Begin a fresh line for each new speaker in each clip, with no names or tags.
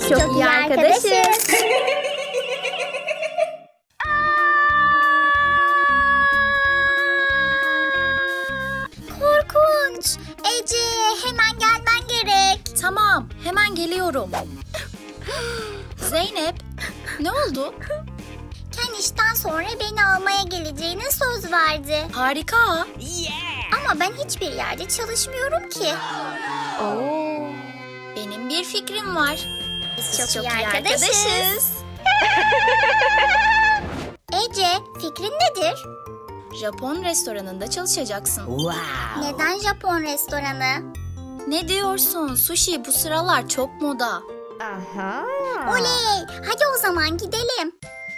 Biz çok iyi arkadaşız.
Korkunç. Ece, hemen gelmen gerek.
Tamam, hemen geliyorum. Zeynep, ne oldu?
Ken işten sonra beni almaya geleceğine söz verdi.
Harika.
Ama ben hiçbir yerde çalışmıyorum ki.
Oo. Benim bir fikrim var.
Biz çok iyi arkadaşız. Ece, fikrin nedir?
Japon restoranında çalışacaksın.
Neden Japon restoranı?
Ne diyorsun? Sushi bu sıralar çok moda.
Oley! Hadi o zaman gidelim.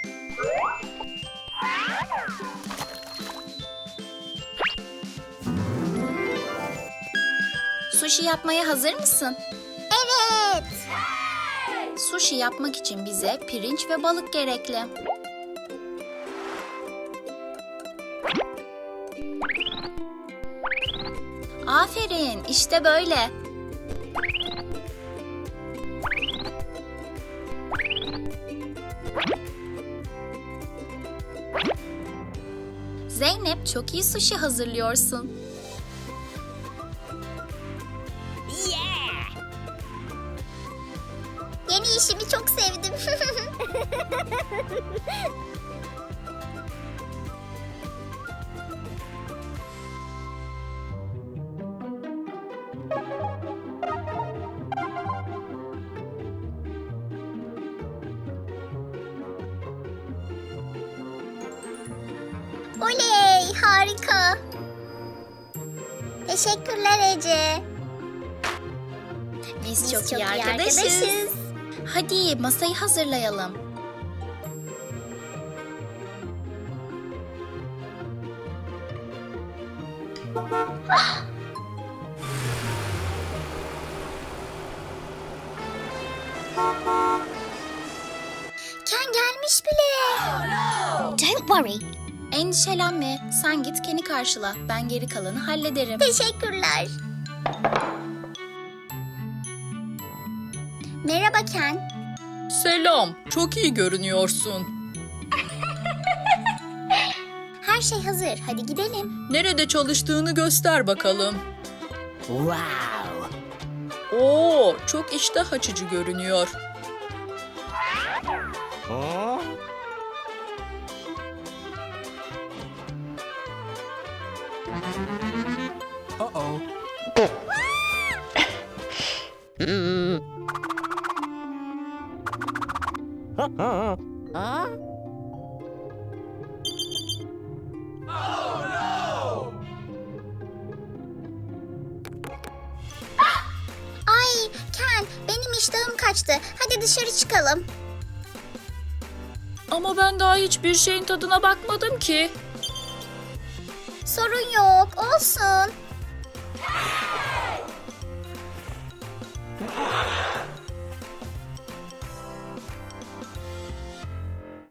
Sushi yapmaya hazır mısın?
Evet.
Sushi yapmak için bize pirinç ve balık gerekli. Aferin, işte böyle. Zeynep, çok iyi sushi hazırlıyorsun.
Yeni işimi çok sevdim. Oley! Harika. Teşekkürler Ece.
Biz çok iyi arkadaşız. Hadi masayı hazırlayalım.
Ken gelmiş bile. Don't worry.
Endişelenme, sen git Ken'i karşıla. Ben geri kalanı hallederim.
Teşekkürler. Merhaba Ken.
Selam, çok iyi görünüyorsun.
Her şey hazır. Hadi gidelim.
Nerede çalıştığını göster bakalım. Oo, çok iştah açıcı görünüyor.
Ay Ken, benim iştahım kaçtı. Hadi dışarı çıkalım.
Ama ben daha hiçbir şeyin tadına bakmadım ki.
Sorun yok, olsun.